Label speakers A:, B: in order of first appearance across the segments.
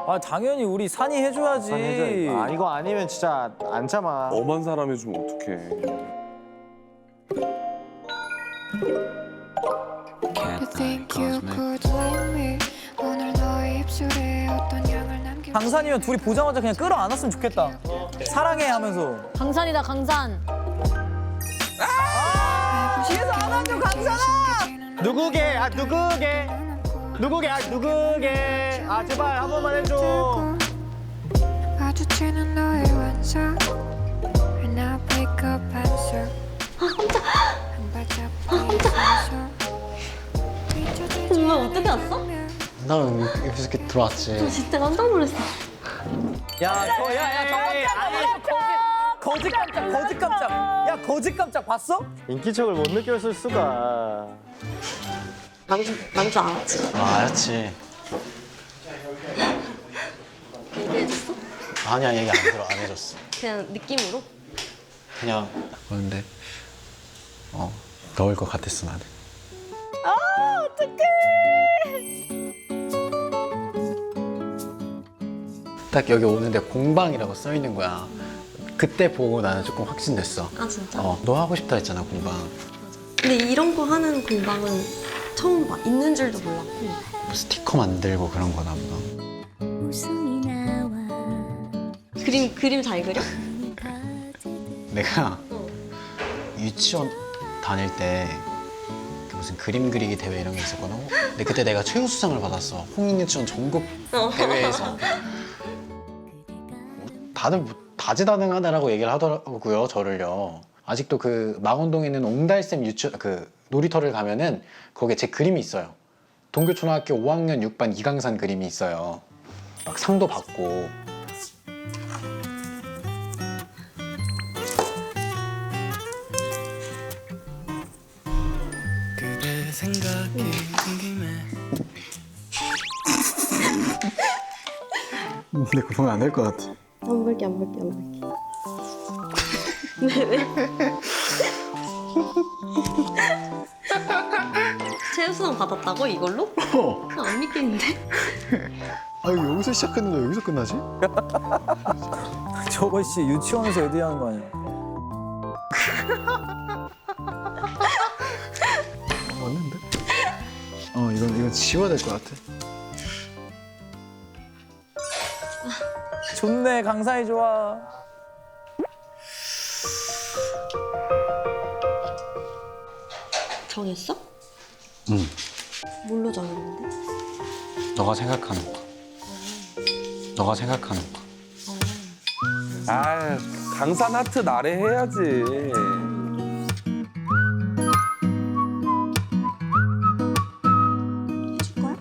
A: 아 당연히 우리 산이 해줘야지.
B: 아 이거 아니면 진짜 안 참아.
C: 엄한 사람 해주면 어떡해.
D: You think you could love me? 오늘 너의 입술에 어떤 향을 남길
A: 강산이면 둘이 보자마자 그냥 끌어안았으면 좋겠다. 사랑해 하면서.
E: 강산이다 강산.
A: 뒤에서 안아줘 강산아.
B: 누구게? 아 누구게? 누구게? 아 누구게? 아 제발 한 번만 해줘.
D: 마주치는 너의 완성 And I'll pick up answer 한 발짝
E: 정말 어떻게 왔어?
F: 나 이렇게 들어왔지.
E: 진짜 깜짝 놀랐어.
A: 거짓 깜짝. 야 거짓 깜짝 봤어?
B: 인기척을 못 느꼈을 수가.
E: 난줄 알았지.
F: 아, 알았지.
E: 얘기해줬어?
F: 아니야, 얘기 안 해줬어.
E: 그냥 느낌으로?
F: 그냥 그런데 넣을 것 같았어 나는. 딱 여기 오는데 공방이라고 써 있는 거야. 그때 보고 나는 조금 확신됐어.
E: 아 진짜?
F: 너 하고 싶다 했잖아 공방.
E: 근데 이런 거 하는 공방은 처음 봐. 있는 줄도 몰랐고.
F: 뭐 스티커 만들고 그런 거나 보다.
E: 그림 잘 그려?
F: 내가 유치원 다닐 때 무슨 그림 그리기 대회 이런 게 있었거든. 근데 그때 내가 최우수상을 받았어. 홍익유치원 전국 대회에서. 다들 뭐 다재다능하다라고 얘기를 하더라고요, 저를요. 아직도 그 망원동에 있는 옹달샘 그 놀이터를 가면은 거기에 제 그림이 있어요. 동교초등학교 5학년 6반 이강산 그림이 있어요. 막 상도 받고.
G: 그대 생각이 든 김에
F: 근데 그거 보면 안 될 것 같아.
E: 안 볼게. 왜? 최우수상 받았다고 이걸로? 안 믿겠는데?
F: 아 여기서 시작했는데 여기서 끝나지?
A: 저거 씨 유치원에서 애들이 하는 거 아니야?
F: 맞는데? 이건 지워야 될 것 같아.
A: 좋네 강산이 좋아.
E: 정했어?
F: 응.
E: 뭘로 정했는데?
F: 너가 생각하는 거. 너가 생각하는 거.
C: 아, 강산 하트 나래 해야지.
E: 해줄 거야?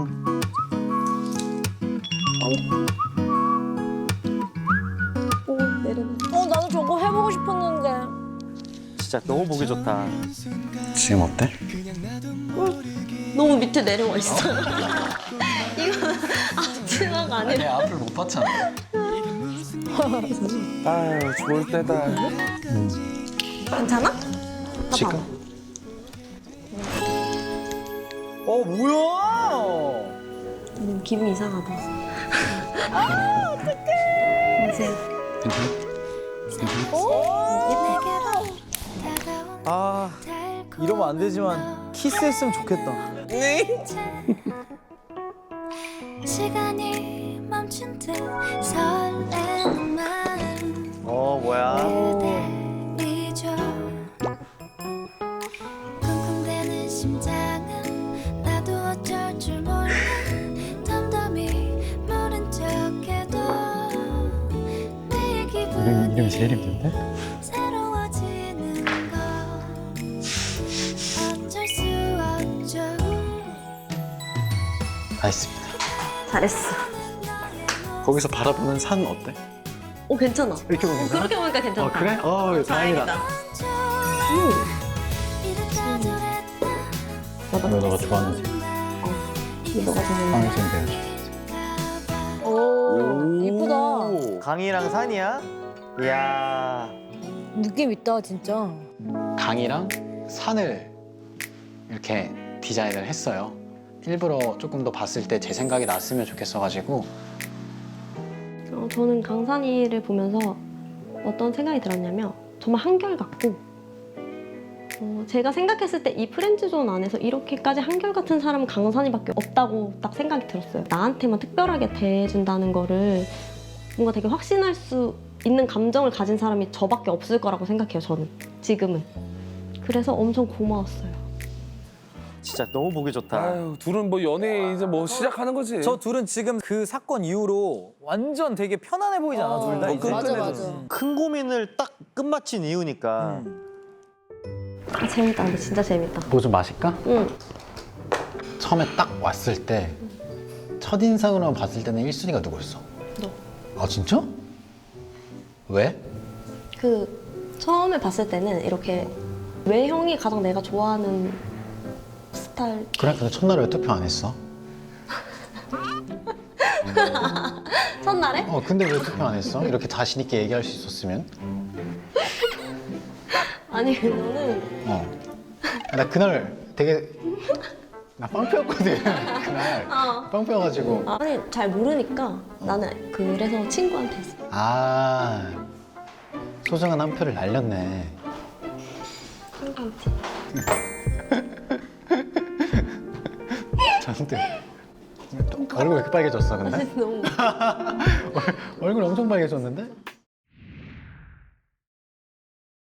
E: 오 내려놔. 나도 저거 해보고 싶었는데.
B: 진짜 너무 보기 좋다.
F: 지금 어때?
E: 너무 밑에 내려와 있어. 이거 앞치마가 아니라.
F: 내 앞을 못 봤잖아.
C: 아유, 좋을 때다.
E: 괜찮아?
F: 지금?
A: 뭐야?
E: 기분 이상하다. 아 어떡해. 보세요.
A: 아 이러면 안 되지만 키스했으면 좋겠다.
D: 시간이 멈춘 듯 설레는 마음
B: 뭐야?
D: 그대 잊어 쿵쿵대는 심장은 나도 어쩔 줄 몰라 덤덤히 모른 척해도 내 기분이
F: 이름이 제일 힘든데?
D: 새로워지는 거 어쩔 수 없죠
F: 다 했습니다.
E: 잘했어.
F: 거기서 바라보는 산 어때?
E: 오 괜찮아.
F: 이렇게 보면 괜찮아?
E: 그렇게 보니까 괜찮다.
F: 그래? 다행이다. 왜 너가 좋아하는지
E: 너가 좋아하는.
F: 방송 배워줘.
E: 오 이쁘다.
B: 강이랑 산이야? 이야.
E: 느낌 있다 진짜.
F: 강이랑 산을 이렇게 디자인을 했어요. 일부러 조금 더 봤을 때 제 생각이 났으면 좋겠어가지고
E: 저는 강산이를 보면서 어떤 생각이 들었냐면 정말 한결같고 제가 생각했을 때 이 프렌즈존 안에서 이렇게까지 한결같은 사람은 강산이밖에 없다고 딱 생각이 들었어요. 나한테만 특별하게 대해준다는 거를 뭔가 되게 확신할 수 있는 감정을 가진 사람이 저밖에 없을 거라고 생각해요. 저는 지금은. 그래서 엄청 고마웠어요.
B: 진짜 너무 보기 좋다.
C: 아유, 둘은 뭐 연애 이제 뭐 시작하는 거지.
A: 저 둘은 지금 그 사건 이후로 완전 되게 편안해 보이지 않아? 둘 다 이제.
H: 맞아 맞아.
B: 큰 고민을 딱 끝마친 이유니까.
E: 아, 재밌다. 근데 진짜 재밌다.
F: 뭐 좀 마실까?
E: 응.
F: 처음에 딱 왔을 때 첫인상으로 봤을 때는 1순위가 누구였어?
E: 너.
F: 아 진짜? 왜?
E: 그 처음에 봤을 때는 이렇게 외형이 가장 내가 좋아하는 스타일.
F: 그래? 근데 첫날에 왜 투표 안 했어?
E: 첫날에?
F: 근데 왜 투표 안 했어? 이렇게 자신 있게 얘기할 수 있었으면.
E: 아니 너는
F: 나 그날 되게 나 빵표였거든. 그날 빵표여가지고.
E: 아니 잘 모르니까 나는 그래서 친구한테 했어.
F: 아 소중한 한 표를 날렸네.
E: 친구한테.
F: 잔뜩. 얼굴 왜 이렇게 빨개졌어 근데?
E: 너무
F: 얼굴 엄청 빨개졌는데?